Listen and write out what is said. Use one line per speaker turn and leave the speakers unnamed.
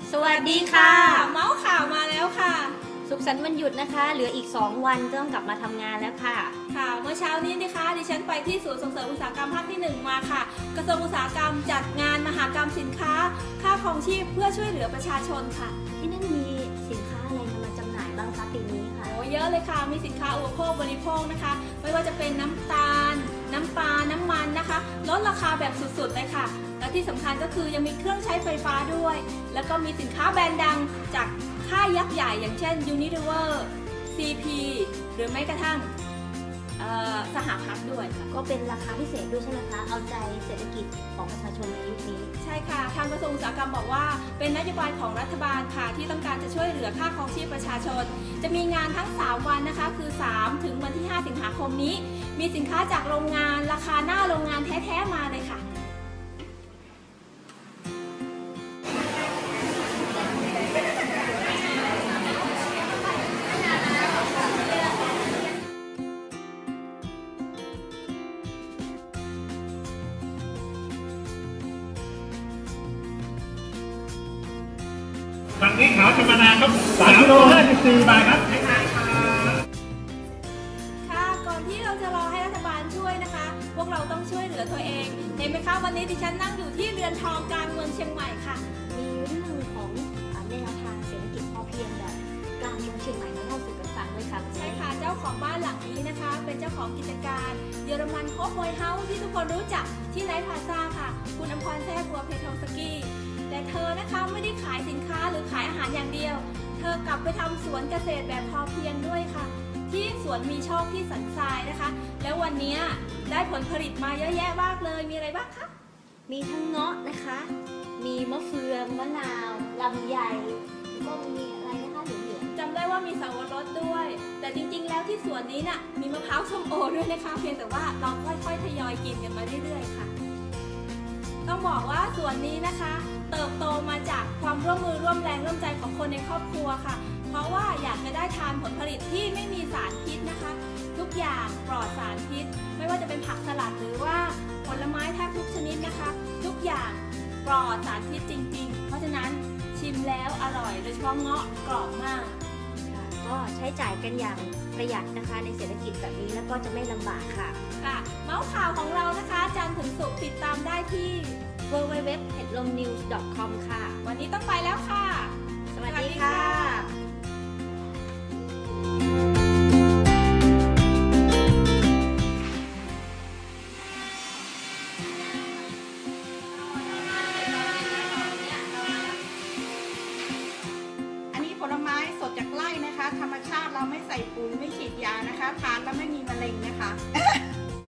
สวัสดีค่ะ
เมาส์ข่าวมาแล้วค่ะ
สุขสันต์วันหยุดนะคะเหลืออีก2วันก็ต้องกลับมาทำงานแล้วค่ะ
ค่ะเมื่อเช้านี้นะคะดิฉันไปที่ศูนย์ส่งเสริมอุตสาหกรรมภาคที่1มาค่ะกระทรวงอุตสาหกรรมจัดงานมหกรรมสินค้าค่าครองชีพเพื่อช่วยเหลือประชาชนค่ะ
ที่นั่นมีสินค้าอะไรนำมาจำหน่ายบ้างคะปีนี้ค่ะ
โอ้เยอะเลยค่ะมีสินค้าอุปโภคบริโภคนะคะไม่ว่าจะเป็นน้ำตาลน้ำปลาน้ำมันนะคะลดราคาแบบสุดๆเลยค่ะและที่สำคัญก็คือยังมีเครื่องใช้ไฟฟ้าด้วยแล้วก็มีสินค้าแบรนด์ดังจากค่ายยักษ์ใหญ่อย่างเช่น Unilever CP หรือแม้กระทั่งสหพัฒน์ด้วยค่ะ
ก็เป็นราคาพิเศษด้วยใช่ไหมคะเอาใจเศรษฐกิจของประชาชนในยุคนี้
ใช่ค่ะทางกระทรวงอุตสาหกรรมบอกว่าเป็นนโยบายของรัฐบาลค่ะที่ต้องการจะช่วยเหลือค่าครองชีพประชาชนจะมีงานทั้ง3วันนะคะคือ3ถึงวันที่5สิงหาคมนี้มีสินค้าจากโรงงานราคาหน้าโรงงานแท้ๆมาเลยค่ะ
ฝั่งนี้ขาวธรรมดาครับ3 กิโล 54 บาทครับ
ค่ะก่อนที่เราจะรอให้รัฐบาลช่วยนะคะพวกเราต้องช่วยเหลือตัวเองเห็นไหมคะวันนี้ดิฉันนั่งอยู่ที่เรือนทองกลางเมืองเชียงใหม่ค่ะ
มีเรื่องของแนวทางเศรษฐกิจพอเพียงแบบกลางเมืองเชียงใหม่มาเล่าสู่กันฟังด้วยค่ะ
ใช่ค่ะเจ้าของบ้านหลังนี้นะคะเป็นเจ้าของกิจการเยอรมันโฮปบอยเฮาส์ที่ทุกคนรู้จักที่ไนท์พลาซ่าค่ะคุณอมพรแท้บัวเพทองสกี้แต่เธอนะคะไม่ได้ขายสินค้าหรือขายอาหารอย่างเดียวเธอกลับไปทำสวนเกษตรแบบพอเพียงด้วยค่ะที่สวนมีโชคที่สันทรายนะคะแล้ววันนี้ได้ผลผลิตมาเยอะแยะมากเลยมีอะไรบ้างคะ
มีทั้งเงาะนะคะมีมะเฟืองมะนาวลำไยแล้วก็มีอะไรนะคะเหลือง
ๆจำได้ว่ามีสับปะรดด้วยแต่จริงๆแล้วที่สวนนี้น่ะมีมะพร้าวส้มโอด้วยนะคะเพียงแต่ว่าเราค่อยๆทยอยกินกันมาเรื่อยๆค่ะต้องบอกว่าสวนนี้นะคะเติบโตมาจากความร่วมมือร่วมแรงร่วมใจของคนในครอบครัวค่ะเพราะว่าอยากจะได้ทานผลผลิตที่ไม่มีสารพิษนะคะทุกอย่างปลอดสารพิษไม่ว่าจะเป็นผักสลัดหรือว่าผลไม้แทบทุกชนิดนะคะทุกอย่างปลอดสารพิษจริงๆเพราะฉะนั้นชิมแล้วอร่อยโดยเฉพาะเงาะกรอบมาก
ก็ใช้จ่ายกันอย่างประหยัดนะคะในเศรษฐกิจแบบนี้แล้วก็จะไม่ลำบากค่ะ
ค่ะเมาส์ข่าวของเรานะคะจันทร์ถึงศุกร์ติดตามได้ที่
www.headlomnews.com ค่ะ
วันนี้ต้องไปแล้วค่ะ
สวัสดีค่ะ
ผลไม้สดจากไร่นะคะธรรมชาติเราไม่ใส่ปุ๋ยไม่ฉีดยานะคะทานแล้วไม่มีมะเร็งนะคะ